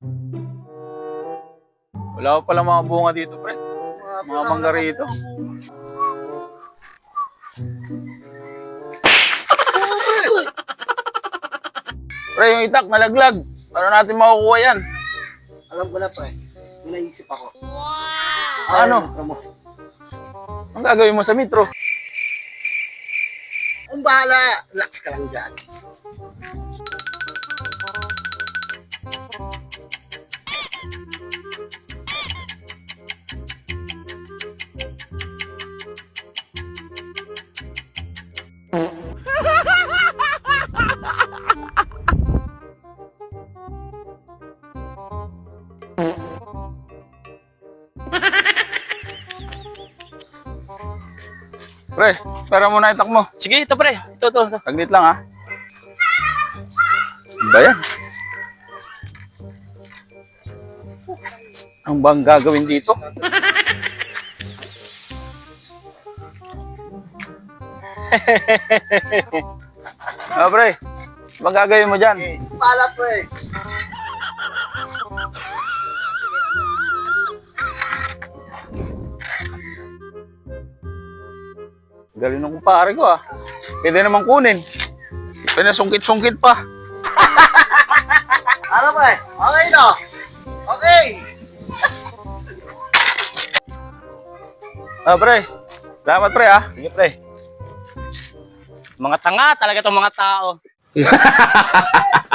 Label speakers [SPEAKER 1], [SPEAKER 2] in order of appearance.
[SPEAKER 1] Wala pa pala mga bunga dito, pre. Mga mangga rito. Pre, yung itak nalaglag. Paano natin makukuha yan?
[SPEAKER 2] Alam ko na pre, may naisip ako.
[SPEAKER 1] Ano?
[SPEAKER 2] Mo.
[SPEAKER 1] Ang gagawin mo sa metro?
[SPEAKER 2] Ang bahala, relax ka lang dyan.
[SPEAKER 1] Pre, pera mo na itak mo.
[SPEAKER 3] Sige, ito pre. Ito.
[SPEAKER 1] Saglit lang ha. Ano ba yan? Ang bang gagawin dito? Pre, bang gagawin mo dyan?
[SPEAKER 2] Bahala pre.
[SPEAKER 1] Galing ng kumpare ko ah. Pwede naman kunin. Pinasungkit-sungkit pa.
[SPEAKER 2] Ano pre? Okay no? Okay!
[SPEAKER 1] Pre. Salamat pre ah.
[SPEAKER 3] Sige pre. Mga tanga talaga itong mga tao.